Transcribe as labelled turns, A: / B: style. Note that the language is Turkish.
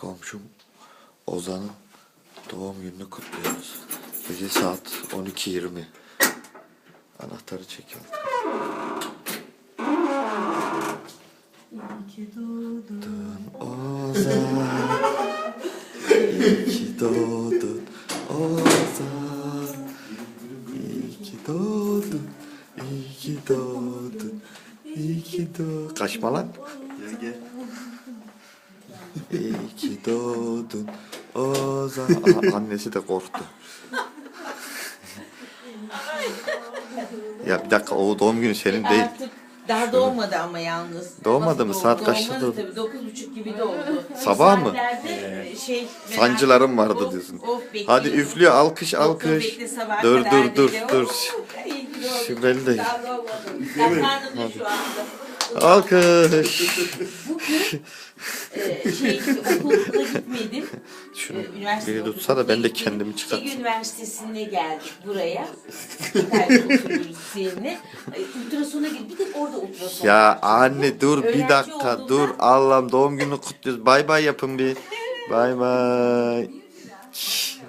A: Komşum Ozan'ın doğum gününü kutluyoruz. Gece saat 12:20. Anahtarı çek altına.
B: İyi ki doğdun
A: Ozan, iyi ki doğdun Ozan, iyi ki doğdun, iyi ki doğdun, iyi ki doğdun. Kaçma lan.
C: Gel.
A: İyi ki doğdun Ozan. Aha, annesi de korktu. Ya bir dakika, o doğum günü senin değil.
B: Artık daha doğmadı ama yalnız.
A: Doğmadı mı?
B: Nasıl
A: Saat
B: doğdu?
A: kaçta
B: Doğmadı
A: doğdu?
B: tabii, 9.30 gibi doğdu.
A: Sabah mı?
B: Saatlerde
A: Sancılarım vardı diyorsun. Hadi üflüyor, alkış alkış. Dur. Şu belli değil. Alkış.
B: Bugün okula gitmedim.
A: Şunu
B: Üniversite
A: biri tutsa da ben de
B: okuluna
A: kendimi
B: gittim.
A: çıkartsam.
B: Ege Üniversitesi'ne geldik buraya. İtalya'da oturuyoruz seninle. Ultrasona gittik. Bir tek orada ultrason
A: Ya
B: var.
A: anne dur bir
B: Öğrenci
A: dakika,
B: olduğumdan-
A: dur Allah'ım, doğum gününü kutluyoruz. Bay bay yapın bir. Bay bay.